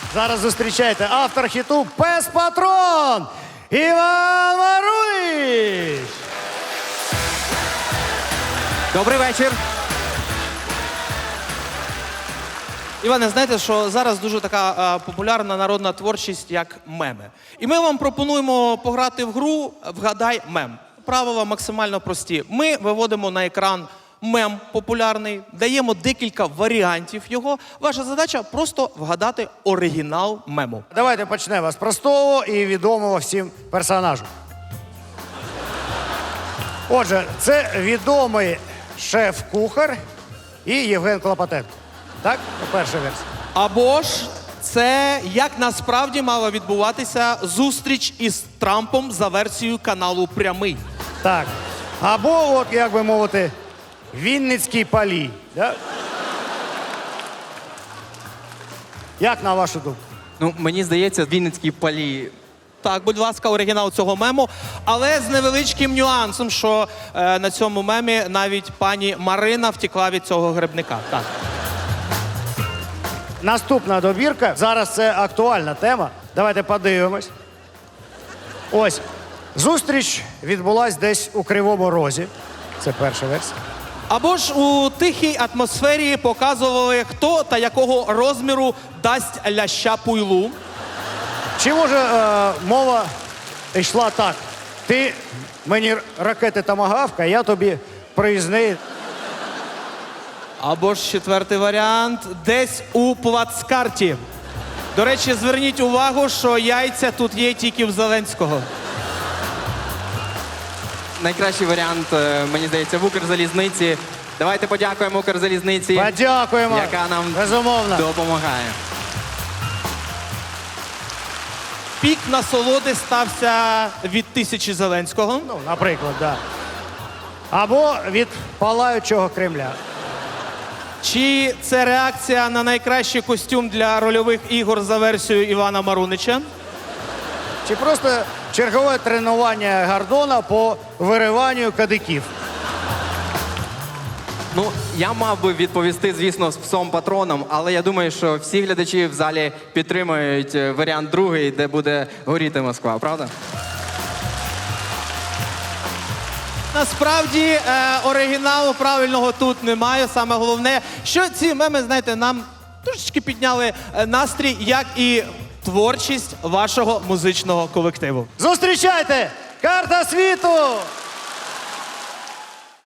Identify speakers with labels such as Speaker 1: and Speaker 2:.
Speaker 1: Зараз зустрічайте автор хіту «Пес Патрон» Іван Марунич.
Speaker 2: Добрий вечір. Іване, знаєте, що зараз дуже така популярна народна творчість, як меми. І ми вам пропонуємо пограти в гру «Вгадай мем». Правила максимально прості. Ми виводимо на екран мем популярний, даємо декілька варіантів його. Ваша задача – просто вгадати оригінал мему.
Speaker 1: Давайте почнемо з простого і відомого всім персонажу. Отже, це відомий шеф-кухар і Євген Клопотенко. Так? Перша версія.
Speaker 2: Або ж це як насправді мала відбуватися зустріч із Трампом за версією каналу «Прямий».
Speaker 1: Так. Або, от, як би мовити, Вінницький Палій. Да? Як на вашу думку?
Speaker 3: Ну, мені здається, Вінницький Палій.
Speaker 2: Так, будь ласка, оригінал цього мему, але з невеличким нюансом, що на цьому мемі навіть пані Марина втекла від цього грибника. Так.
Speaker 1: Наступна добірка. Зараз це актуальна тема. Давайте подивимось. Ось. Зустріч відбулась десь у Кривому Розі. Це перша версія.
Speaker 2: Або ж у тихій атмосфері показували, хто та якого розміру дасть ляща пуйлу.
Speaker 1: Чи може мова йшла так? Ти мені ракети томагавка, я тобі проїзний.
Speaker 2: Або ж четвертий варіант – десь у плацкарті. До речі, зверніть увагу, що яйця тут є тільки в Зеленського.
Speaker 3: Найкращий варіант, мені здається, в Укрзалізниці. Давайте подякуємо Укрзалізниці,
Speaker 1: Подякуємо.
Speaker 3: яка нам
Speaker 1: Безумовно.
Speaker 3: допомагає.
Speaker 2: Пік насолоди стався від 1000 Зеленського.
Speaker 1: Ну, наприклад, так. Да. Або від палаючого Кремля.
Speaker 2: Чи це реакція на найкращий костюм для рольових ігор за версією Івана Марунича?
Speaker 1: Чи просто чергове тренування Гордона по вириванню кадиків.
Speaker 3: Ну, я мав би відповісти, звісно, з псом патроном, але я думаю, що всі глядачі в залі підтримують варіант другий, де буде горіти Москва, правда?
Speaker 2: Насправді, оригіналу правильного тут немає. Саме головне, що ці меми, знаєте, нам трошечки підняли настрій, як і творчість вашого музичного колективу.
Speaker 1: Зустрічайте! Карта світу!